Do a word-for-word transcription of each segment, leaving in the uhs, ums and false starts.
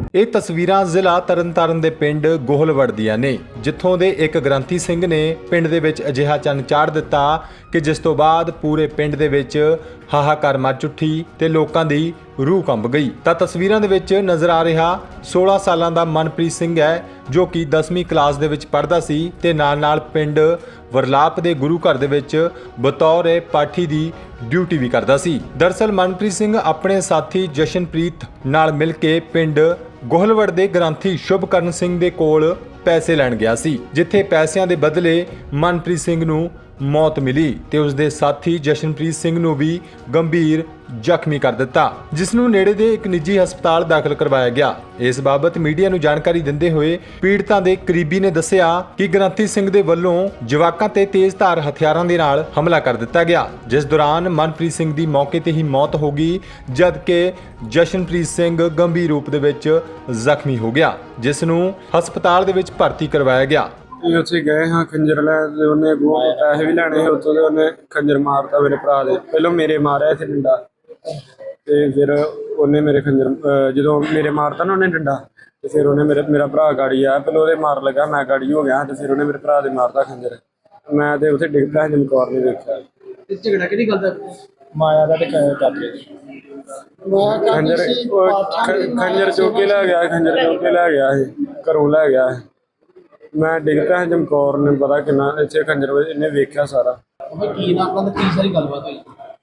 ਇਹ ਤਸਵੀਰਾਂ ਜ਼ਿਲ੍ਹਾ ਤਰਨਤਾਰਨ ਦੇ ਪਿੰਡ ਗੋਹਲਵੜ ਦੀਆਂ ਨੇ, ਜਿੱਥੋਂ ਦੇ ਇੱਕ ਗ੍ਰੰਥੀ ਸਿੰਘ ਨੇ ਪਿੰਡ ਦੇ ਵਿੱਚ ਅਜਿਹਾ ਚੰਨ ਚਾੜ ਦਿੱਤਾ ਕਿ ਜਿਸ ਤੋਂ ਬਾਅਦ ਪੂਰੇ ਪਿੰਡ ਦੇ ਵਿੱਚ ਹਾਹਾਕਾਰ ਮਚ ਉੱਠੀ ਤੇ ਲੋਕਾਂ ਦੀ ਰੂਹ ਕੰਬ ਗਈ। ਤਾਂ ਤਸਵੀਰਾਂ ਦੇ ਵਿੱਚ ਨਜ਼ਰ ਆ ਰਿਹਾ ਸੋਲਾਂ ਸਾਲਾਂ ਦਾ ਮਨਪ੍ਰੀਤ ਸਿੰਘ ਹੈ, ਜੋ ਕਿ ਦਸਵੀਂ ਕਲਾਸ ਦੇ ਵਿੱਚ ਪੜ੍ਹਦਾ ਸੀ ਤੇ ਨਾਲ-ਨਾਲ ਪਿੰਡ ਵਰਲਾਪ ਦੇ ਗੁਰੂ ਘਰ ਦੇ ਵਿੱਚ ਬਤੌਰ ਪਾਠੀ ਦੀ ਡਿਊਟੀ ਵੀ ਕਰਦਾ ਸੀ। ਦਰਅਸਲ ਮਨਪ੍ਰੀਤ ਸਿੰਘ ਆਪਣੇ ਸਾਥੀ ਜਸ਼ਨਪ੍ਰੀਤ ਨਾਲ ਮਿਲ ਕੇ ਪਿੰਡ ਗੋਹਲਵੜ ਦੇ ਗ੍ਰੰਥੀ ਸ਼ੁਭਕਰਨ ਸਿੰਘ ਦੇ ਕੋਲ ਪੈਸੇ ਲੈਣ ਗਿਆ ਸੀ, ਜਿੱਥੇ ਪੈਸਿਆਂ ਦੇ ਬਦਲੇ ਮਨਪ੍ਰੀਤ ਸਿੰਘ ਨੂੰ ਮੌਤ ਮਿਲੀ ਤੇ ਉਸ ਦੇ ਸਾਥੀ ਜਸ਼ਨਪ੍ਰੀਤ ਸਿੰਘ ਨੂੰ ਵੀ ਗੰਭੀਰ ਜ਼ਖਮੀ ਕਰ ਦਿੱਤਾ, ਜਿਸ ਨੂੰ ਨੇੜੇ ਦੇ ਇੱਕ ਨਿੱਜੀ ਹਸਪਤਾਲ ਦਾਖਲ ਕਰਵਾਇਆ ਗਿਆ। ਇਸ ਬਾਬਤ ਮੀਡੀਆ ਨੂੰ ਜਾਣਕਾਰੀ ਦਿੰਦੇ ਹੋਏ ਪੀੜਤਾਂ ਦੇ ਕਰੀਬੀ ਨੇ ਦੱਸਿਆ ਕਿ ਗ੍ਰੰਥੀ ਸਿੰਘ ਦੇ ਵੱਲੋਂ ਜਵਾਕਾਂ ਤੇ ਤੇਜ਼ਧਾਰ ਹਥਿਆਰਾਂ ਦੇ ਨਾਲ ਹਮਲਾ ਕਰ ਦਿੱਤਾ ਗਿਆ, ਜਿਸ ਦੌਰਾਨ ਮਨਪ੍ਰੀਤ ਸਿੰਘ ਦੀ ਮੌਕੇ ਤੇ ਹੀ ਮੌਤ ਹੋ ਗਈ, ਜਦਕਿ ਜਸ਼ਨਪ੍ਰੀਤ ਸਿੰਘ ਗੰਭੀਰ ਰੂਪ ਦੇ ਵਿੱਚ ਜ਼ਖਮੀ ਹੋ ਗਿਆ, ਜਿਸ ਨੂੰ ਹਸਪਤਾਲ ਦੇ ਵਿੱਚ ਭਰਤੀ ਕਰਵਾਇਆ ਗਿਆ। ਉੱਥੇ ਗਏ ਹਾਂ ਖੰਜਰ ਲੈ ਤੇ ਉਹਨੇ ਅੱਗੋਂ ਪੈਸੇ ਵੀ ਲੈਣੇ ਸੀ ਉੱਥੋਂ ਦੇ, ਉਹਨੇ ਖੰਜਰ ਮਾਰਤਾ ਮੇਰੇ ਭਰਾ ਦੇ। ਪਹਿਲਾਂ ਮੇਰੇ ਮਾਰਿਆ ਇੱਥੇ ਡੰਡਾ ਤੇ ਫਿਰ ਉਹਨੇ ਮੇਰੇ ਖੰਜਰ ਜਦੋਂ ਮੇਰੇ ਮਾਰਤਾ ਨਾ ਉਹਨੇ ਡੰਡਾ ਤੇ ਫਿਰ ਉਹਨੇ ਮੇਰੇ ਮੇਰਾ ਭਰਾ ਗਾੜੀ ਆਇਆ, ਪਹਿਲਾਂ ਉਹਦੇ ਮਾਰ ਲੱਗਾ, ਮੈਂ ਗਾੜੀ ਹੋ ਗਿਆ ਤੇ ਫਿਰ ਉਹਨੇ ਮੇਰੇ ਭਰਾ ਦੇ ਮਾਰਤਾ ਖੰਜਰ। ਮੈਂ ਤੇ ਉੱਥੇ ਡਿੱਗ ਪਿਆ, ਚਮਕੌਰ ਨੇ ਦੇਖਿਆ। ਝਗੜਾ ਕਿਹੜੀ ਗੱਲ ਦਾ? ਮਾਇਆ ਦਾ ਤੇ ਚਾਚੇ ਖੰਜਰ ਖੰਜਰ ਚੁੱਕ ਕੇ ਲੈ ਗਿਆ, ਖੰਜਰ ਚੁੱਕ ਕੇ ਲੈ ਗਿਆ ਇਹ ਘਰੋਂ ਲੈ ਗਿਆ। ਮੈਂ ਡਿੱਗ ਪਿਆ ਚਮਕੌਰ ਨੇ ਪਤਾ ਕਿੰਨਾ ਇੱਥੇ ਖੰਜਰ ਇਹਨੇ ਵੇਖਿਆ ਸਾਰਾ। ਕੀ ਨਾ ਆਪਣਾ ਕੀ ਸਾਰੀ ਗੱਲਬਾਤ ਹੋਈ?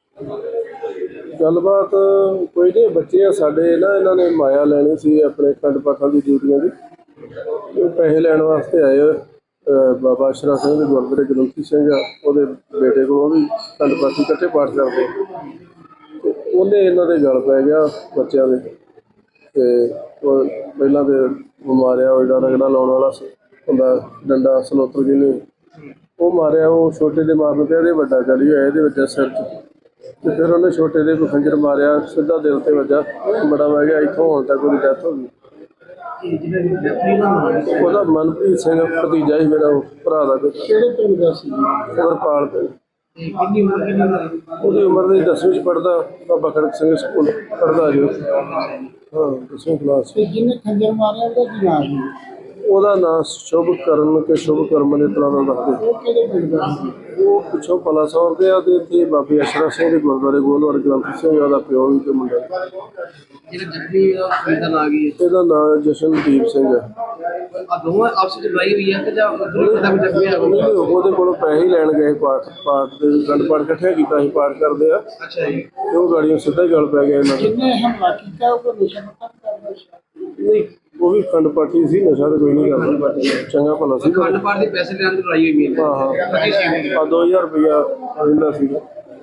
ਗੱਲਬਾਤ ਕੋਈ ਨਹੀਂ, ਬੱਚੇ ਆ ਸਾਡੇ ਨਾ, ਇਹਨਾਂ ਨੇ ਮਾਇਆ ਲੈਣੀ ਸੀ ਆਪਣੇ ਖੰਡ ਪਾਠਾਂ ਦੀ ਡਿਊਟੀਆਂ ਦੀ। ਉਹ ਪੈਸੇ ਲੈਣ ਵਾਸਤੇ ਆਏ ਬਾਬਾ ਅਸ਼ਰਾ ਸਿੰਘ ਦੇ ਗੁਰਦੁਆਰੇ ਗ੍ਰੰਥੀ ਸਿੰਘ ਆ, ਉਹਦੇ ਬੇਟੇ ਕੋਲ, ਉਹ ਵੀ ਖੰਡ ਪਾਠੀ ਇਕੱਠੇ ਪਾਠ ਕਰਦੇ ਤੇ ਉਹਨੇ ਇਹਨਾਂ ਦੇ ਗਲ ਪੈ ਗਿਆ ਬੱਚਿਆਂ ਦੇ ਤੇ ਉਹ ਪਹਿਲਾਂ ਤੇ ਮਾਰਿਆ, ਉਹ ਜਿਹੜਾ ਰਗੜਾ ਲਾਉਣ ਵਾਲਾ ਹੁੰਦਾ ਡੰਡਾ ਸਲੋਤਰ ਜਿਹਨੇ ਉਹ ਮਾਰਿਆ, ਉਹ ਛੋਟੇ ਦੇ ਮਾਰਨ ਤੇ ਇਹਦੇ ਵੱਡਾ ਚੜੀ ਹੋਇਆ ਇਹਦੇ ਵਿੱਚ ਸਿਰ 'ਚ ਤੇ ਫਿਰ ਉਹਨੇ ਛੋਟੇ ਦੇ ਕੋਈ ਖੰਜਰ ਮਾਰਿਆ, ਸਿੱਧਾ ਦਿਲ ਤੇ ਵੱਜਾ, ਬੜਾ ਵਹਿ ਗਿਆ, ਇੱਥੋਂ ਹੁਣ ਤੱਕ ਉਹਦੀ ਡੈਥ ਹੋ ਗਈ। ਉਹਦਾ ਮਨਪ੍ਰੀਤ ਸਿੰਘ ਭਤੀਜਾ ਸੀ ਮੇਰਾ, ਉਹ ਭਰਾ ਦਾ। ਕਿਹੜੇ ਪਿੰਡ ਦਾ ਸੀ? ਵਰਪਾਲ ਪਿੰਡ। ਕਿੰਨੀ ਉਮਰ ਕਿੰਨੀ ਉਮਰ? ਉਹਦੀ ਉਮਰ ਦੀ ਦਸਵੀਂ 'ਚ ਪੜ੍ਹਦਾ, ਬਾਬਾ ਖੜਕ ਸਿੰਘ ਸਕੂਲ ਪੜ੍ਹਦਾ ਜੀ। ਹਾਂ, ਦਸਵੀਂ ਕਲਾਸ। ਜਿਹਨੇ ਖੰਜਰ ਮਾਰਿਆ ਉਹਦਾ ਕੀ ਨਾਮ ਸੀ? ਉਹਦਾ ਨਾਂ ਸ਼ੁਭਕਰਨ ਕੇ ਸ਼ੁਭਕਰਮ ਦੇ ਤਰ੍ਹਾਂ ਦਾ ਦੱਸਦੇ। ਉਹ ਕਿਹੜੇ ਪਿੰਡ ਦਾ ਸੀ? ਉਹ ਪਿੱਛੋਂ ਪਲਾਸੌਰ ਦੇ ਆ ਤੇ ਇੱਥੇ ਬਾਬੇ ਅਸ਼ਰਾ ਸਿੰਘ ਦੇ ਗੁਰਦੁਆਰੇ ਗੋਲਵੜ ਗ੍ਰੰਥੀ ਸਿੰਘ ਉਹਦਾ ਪਿਓ ਵੀ ਤੇ ਮੁੰਡਾ। ਜਿਹੜਾ ਜ਼ਖਮੀ ਦਾ ਪਿੰਡ ਦਾ ਕੀ ਹੈ? ਇਹਦਾ ਨਾਂ ਜਸ਼ਨਦੀਪ ਸਿੰਘ ਹੈ। ਆ ਦੋਵਾਂ ਆਪਸ ਵਿੱਚ ਲੜਾਈ ਹੋਈ ਹੈ ਕਿ ਜਾਂ ਦੋਵੇਂ ਪਿੰਡਾਂ ਵਿੱਚ ਜ਼ਖਮੀ ਆ? ਨਹੀਂ, ਉਹਦੇ ਕੋਲੋਂ ਪੈਸੇ ਹੀ ਲੈਣ ਗਏ, ਪਾਠ ਪਾਠ ਦੇ ਗੰਢ ਪਾਠ ਇਕੱਠੇ ਕੀਤਾ ਸੀ, ਪਾਠ ਕਰਦੇ ਆ ਅੱਛਾ ਜੀ। ਤੇ ਉਹ ਗਾੜੀਆਂ ਸਿੱਧਾ ਹੀ ਗਲ ਪੈ ਗਿਆ ਇਹਨਾਂ ਦਾ। ਕਿੰਨੇ ਹਮਲਾ ਕੀਤਾ? ਉਹ ਕੋਈ ਨਸ਼ਾ ਪੱਤਾ ਕਰਦਾ ਸੀ? ਨਹੀਂ, ਉਹ ਵੀ ਖੰਡ ਪਾਠੀ ਸੀ, ਨਸ਼ਾ ਤਾਂ ਕੋਈ ਨਹੀਂ ਕਰਦਾ, ਚੰਗਾ ਭਲਾ ਸੀ। ਖੰਡ ਪਾਠ ਦੇ ਪੈਸੇ ਲੈਣ ਦੀ ਲੜਾਈ ਹੋਈ ਹੈ। ਹਾਂ ਹਾਂ, ਆ ਦੋ ਹਜ਼ਾਰ ਰੁਪਇਆ ਰਹਿੰਦਾ ਸੀਗਾ।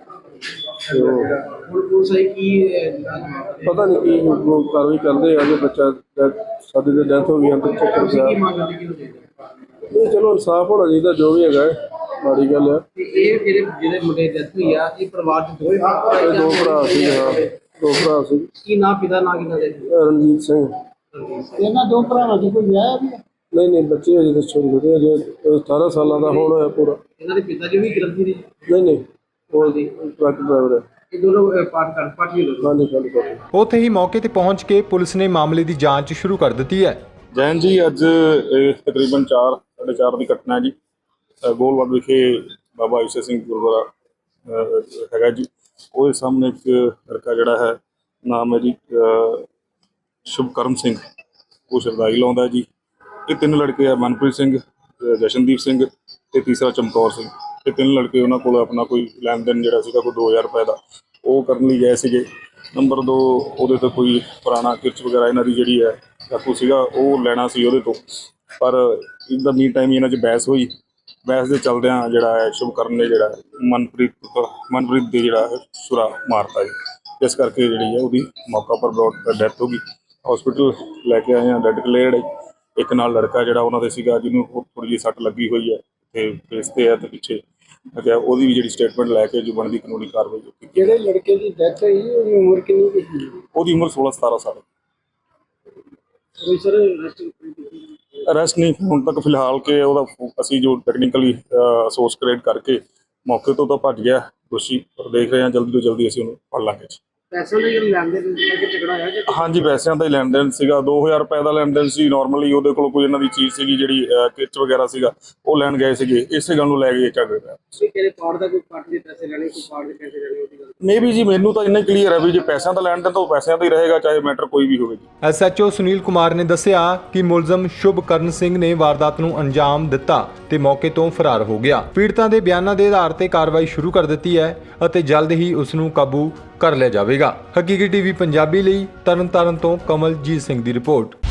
ਹੁਣ ਪੁਲਿਸ ਆਈ ਕੀ ਪਤਾ ਨਹੀਂ ਕੀ ਉਹ ਕਾਰਵਾਈ ਕਰਦੇ ਆ, ਜੇ ਬੱਚਾ ਸਾਡੇ ਦੇ ਡੈਥ ਹੋ ਗਈ ਅੰਦਰ ਚੱਕਰ ਪਿਆ। ਕੀ ਮੰਗ ਕਰਦੇ ਕੀ ਨਹੀਂ, ਚਲੋ ਇਨਸਾਫ ਹੋਣਾ ਚਾਹੀਦਾ, ਜੋ ਵੀ ਹੈਗਾ, ਮਾੜੀ ਗੱਲ ਆ। ਤੇ ਇਹ ਜਿਹੜੇ ਜਿਹੜੇ ਮੁੰਡੇ ਦੀ ਡੈਥ ਹੋਈ ਆ, ਇਹ ਪਰਿਵਾਰ ਚ ਦੋਵੇਂ ਇਹ ਦੋ ਭਰਾ ਸੀ, ਹਾਂ ਦੋ ਭਰਾ ਸੀ। ਕੀ ਨਾਂ ਪਿਤਾ ਨਾਂ ਕਿਹਨਾਂ ਦੇ? ਰਣਜੀਤ ਸਿੰਘ। ਇਹਨਾਂ ਦੋ ਭਰਾਵਾਂ ਚ ਕੋਈ ਵਿਆਹ ਵੀ? ਨਹੀਂ ਨਹੀਂ, ਬੱਚੇ ਅਜੇ ਤਾਂ ਛੋਟੇ ਛੋਟੇ, ਅਜੇ ਅਠਾਰਾਂ ਸਾਲਾਂ ਦਾ ਹੁਣ ਹੋਇਆ ਪੂਰਾ। ਇਹਨਾਂ ਦੇ ਪਿਤਾ ਜੀ ਵੀ ਗ੍ਰੰਥੀ ਨੇ? ਨਹੀਂ ਨਹੀਂ, ਉਹ ਟਰੱਕ ਡਰਾਈਵਰ ਹੈ। ਇਹ ਦੋਨੋਂ ਪਾਠ ਕਰ ਪਾਠੀ ਲੋਕ। ਹਾਂਜੀ ਹਾਂਜੀ ਹਾਂਜੀ। ਉੱਥੇ ਹੀ ਮੌਕੇ ਤੇ ਪਹੁੰਚ ਕੇ ਪੁਲਿਸ ਨੇ ਮਾਮਲੇ ਦੀ ਜਾਂਚ ਸ਼ੁਰੂ ਕਰ ਦਿੱਤੀ ਹੈ। ਜੈਨ ਜੀ, ਅੱਜ ਇਹ ਤਕਰੀਬਨ ਚਾਰ ਸਾਢੇ ਚਾਰ ਦੀ ਘਟਨਾ ਹੈ ਜੀ। ਗੋਲਵੜ ਵਿਖੇ ਬਾਬਾ ਈਸ਼ਰ ਸਿੰਘ ਗੁਰਦੁਆਰਾ ਹੈਗਾ ਜੀ, ਉਹਦੇ ਸਾਹਮਣੇ ਇੱਕ ਲੜਕਾ ਜਿਹੜਾ ਹੈ, ਨਾਮ ਹੈ ਜੀ ਸ਼ੁਭਕਰਨ ਸਿੰਘ, ਉਹ ਸ਼ਰਦਾਈ ਲਾਉਂਦਾ ਜੀ। ਇਹ ਤਿੰਨ ਲੜਕੇ ਆ, ਮਨਪ੍ਰੀਤ ਸਿੰਘ, ਜਸ਼ਨਦੀਪ ਸਿੰਘ ਤੇ ਤੀਸਰਾ ਚਮਕੌਰ ਸਿੰਘ। ਇਹ ਤਿੰਨ ਲੜਕੇ ਉਹਨਾਂ ਕੋਲ ਆਪਣਾ ਕੋਈ ਲੈਣ ਦੇਣ ਜਿਹੜਾ ਸੀਗਾ ਕੋਈ ਦੋ ਹਜ਼ਾਰ ਰੁਪਏ ਦਾ, ਉਹ ਕਰਨ ਲਈ ਗਏ ਸੀਗੇ। ਨੰਬਰ ਦੋ, ਉਹਦੇ ਤੋਂ ਕੋਈ ਪੁਰਾਣਾ ਕਿਰਚ ਵਗੈਰਾ ਇਹਨਾਂ ਦੀ ਜਿਹੜੀ ਹੈ ਚਾਕੂ ਸੀਗਾ, ਉਹ ਲੈਣਾ ਸੀ ਉਹਦੇ ਤੋਂ, ਪਰ ਇਨ ਦਾ ਮੀਨ ਟਾਈਮ ਇਹਨਾਂ 'ਚ ਬਹਿਸ ਹੋਈ। ਬਹਿਸ ਦੇ ਚੱਲਦਿਆਂ ਜਿਹੜਾ ਹੈ ਸ਼ੁਭਕਰਨ ਨੇ ਜਿਹੜਾ ਮਨਪ੍ਰੀਤ ਮਨਪ੍ਰੀਤ ਦੇ ਜਿਹੜਾ ਛੁਰਾ ਮਾਰਤਾ ਜੀ। ਇਸ ਕਰਕੇ ਜਿਹੜੀ ਹੈ ਉਹਦੀ ਮੌਕਾ ਪਰ ਬਰੋਡ ਡੈਥ ਹੋ ਗਈ। ਹਸਪੀਟਲ ਲੈ ਕੇ ਆਏ ਹਾਂ, ਡੈਡ ਕਲੇਅਰਡ। ਇੱਕ ਨਾਲ ਲੜਕਾ ਜਿਹੜਾ ਉਹਨਾਂ ਦੇ ਸੀਗਾ, ਜਿਹਨੂੰ ਥੋੜ੍ਹੀ ਜਿਹੀ ਸੱਟ ਲੱਗੀ ਹੋਈ ਹੈ ਤੇ ਫੇਸ ਤੇ ਹੈ ਤੇ ਪਿੱਛੇ, ਅਤੇ ਉਹਦੀ ਵੀ ਜਿਹੜੀ ਸਟੇਟਮੈਂਟ ਲੈ ਕੇ ਜੋ ਬਣਦੀ ਕਾਨੂੰਨੀ ਕਾਰਵਾਈ ਕੀਤੀ। ਜਿਹੜੇ ਲੜਕੇ ਦੀ ਡੈਥ ਹੋਈ ਉਹਦੀ ਉਮਰ ਕਿੰਨੀ ਸੀ? ਉਹਦੀ ਉਮਰ ਸੋਲਾਂ ਸਤਾਰਾਂ ਸਾਲ। ਕੋਈ ਸਰ ਅਰੈਸਟ ਨਹੀਂ ਹੁਣ ਤੱਕ ਫਿਲਹਾਲ, ਕਿ ਉਹਦਾ ਅਸੀਂ ਜੋ ਟੈਕਨੀਕਲੀ ਸੋਰਸ ਕ੍ਰੀਏਟ ਕਰਕੇ ਮੌਕੇ ਤੋਂ ਤਾਂ ਭੱਜ ਗਿਆ ਦੋਸ਼ੀ, ਪਰ ਦੇਖ ਰਹੇ ਹਾਂ ਜਲਦੀ ਤੋਂ ਜਲਦੀ ਅਸੀਂ ਉਹਨੂੰ ਫੜ ਲਾਂਗੇ। ਪੈਸੇ ਦੇ ਜਿਹੜੇ ਲੈਣ ਦੇਣ ਕਰਕੇ ਝਗੜਾ ਹੋਇਆ ਜਾਂ ਹਾਂਜੀ ਪੈਸਿਆਂ ਦਾ ਹੀ ਲੈਣ ਦੇਣ ਸੀਗਾ। ਦੋ ਹਜ਼ਾਰ ਰੁਪਏ ਦਾ ਲੈਣ ਦੇਣ ਸੀ। ਨਾਰਮਲੀ ਉਹਦੇ ਕੋਲ ਕੋਈ ਇਹਨਾਂ ਦੀ ਚੀਜ਼ ਸੀਗੀ ਜਿਹੜੀ ਕਿਚ ਵਗੈਰਾ ਸੀਗਾ, ਉਹ ਲੈਣ ਗਏ ਸੀਗੇ, ਇਸੇ ਗੱਲ ਨੂੰ ਲੈ ਕੇ ਝਗੜੇ ਪਏ। ਕੋਈ ਤੇਰੇ ਪਾੜ ਦਾ ਕੋਈ ਪਾਰਟ ਦੇ ਪੈਸੇ ਲੈਣੇ, ਕੋਈ ਪਾਰਟ ਦੇ ਪੈਸੇ ਲੈਣੇ, ਉਹਦੀ ਗੱਲ ਮੇ ਵੀ ਜੀ ਮੈਨੂੰ ਤਾਂ ਇੰਨਾ ਕਲੀਅਰ ਹੈ ਵੀ ਜੇ ਪੈਸਿਆਂ ਦਾ ਲੈਣ ਦੇਣ ਤਾਂ ਉਹ ਪੈਸਿਆਂ ਦਾ ਹੀ ਰਹੇਗਾ, ਚਾਹੇ ਮੈਟਰ ਕੋਈ ਵੀ ਹੋਵੇ ਜੀ। ਐਸਐਚਓ ਸੁਨੀਲ ਕੁਮਾਰ ਨੇ ਦੱਸਿਆ ਕਿ ਮੁਲਜ਼ਮ ਸ਼ੁਭਕਰਨ ਸਿੰਘ ਨੇ ਵਾਰਦਾਤ ਨੂੰ ਅੰਜਾਮ ਦਿੱਤਾ ਤੇ ਮੌਕੇ ਤੋਂ ਫਰਾਰ ਹੋ ਗਿਆ। ਪੀੜਤਾਂ ਦੇ ਬਿਆਨਾਂ ਦੇ ਆਧਾਰ ਤੇ ਕਾਰਵਾਈ ਸ਼ੁਰੂ ਕਰ ਦਿੱਤੀ ਹੈ ਅਤੇ ਜਲਦ ਹੀ ਉਸ ਨੂੰ ਕਾਬੂ ਕਰ ਲਿਆ ਜਾਵੇਗਾ। ਹਕੀਕੀ ਟੀਵੀ ਪੰਜਾਬੀ ਲਈ ਤਰਨਤਾਰਨ ਤੋਂ ਕਮਲਜੀਤ ਸਿੰਘ ਦੀ ਰਿਪੋਰਟ।